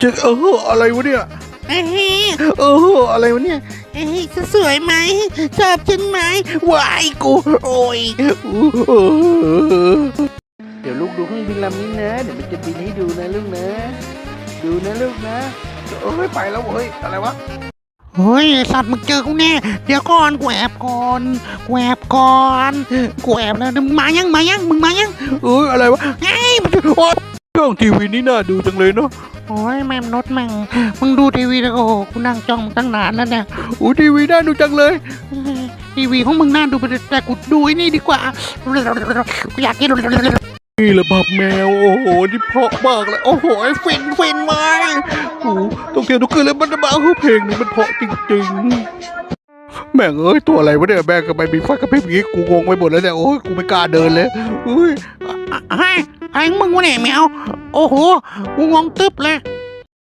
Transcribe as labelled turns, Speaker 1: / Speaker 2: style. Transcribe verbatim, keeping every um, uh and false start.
Speaker 1: จะเอออะไรวะเนี่ย
Speaker 2: เอ้ย
Speaker 1: เอออะไรวะเนี่ย
Speaker 2: เอ้ยสวยไหมชอบฉันไหมวายกูโอ้ย
Speaker 1: เดี๋ยวลูกดูเครื่องบินลำนี้นะเดี๋ยวมันจะบินให้ดูนะลูกนะดูนะลูกนะเอ้ยไปแล้วเฮ้ยอะไรวะ
Speaker 2: เฮ้ยสัตว์มึงเจอกูแน่เดี๋ยวก่อนกูแอบก่อนกูแอบก่อนกูแอบแล้วมึงมายังมายังมึงมายัง
Speaker 1: เอ้ยอะไรวะ
Speaker 2: ไอ้
Speaker 1: โอ้ยกล้องทีวีนี่น่าดูจังเลยเนาะ
Speaker 2: โอ้ยแม่มนุษย์แม่งมึงดูทีวีแล้วโอ้โหกูนั่งจ้องมึงตั้งนานแล้วเนี่ย
Speaker 1: โอ้ทีวีน่าดูจังเลย
Speaker 2: ทีวีของมึงน่าดูไปแต่กูดูไอ้นี่ดีกว่ากูอยากกิน
Speaker 1: นี่แหละบับแมวโอ้โหนี่เพราะมากเลยโอ้โหฟินฟินมากโอ้ต้องเทียนทุกคืนเลยมันจะมาคือเพลงนี้มันเพราะจริงๆแม่งเอ้ยตัวอะไรวะเนี่ยแม่งก็ไปมีไฟกระพริบอย่างงี้กูงงไปหมดแล้วเนี่ยโอ้ยกูไม่กล้าเดินเลยอุ้ย
Speaker 2: ไอ้ไอ้มึงวะเนี่ยแมวโอ้โหกูงงตึ๊บเลย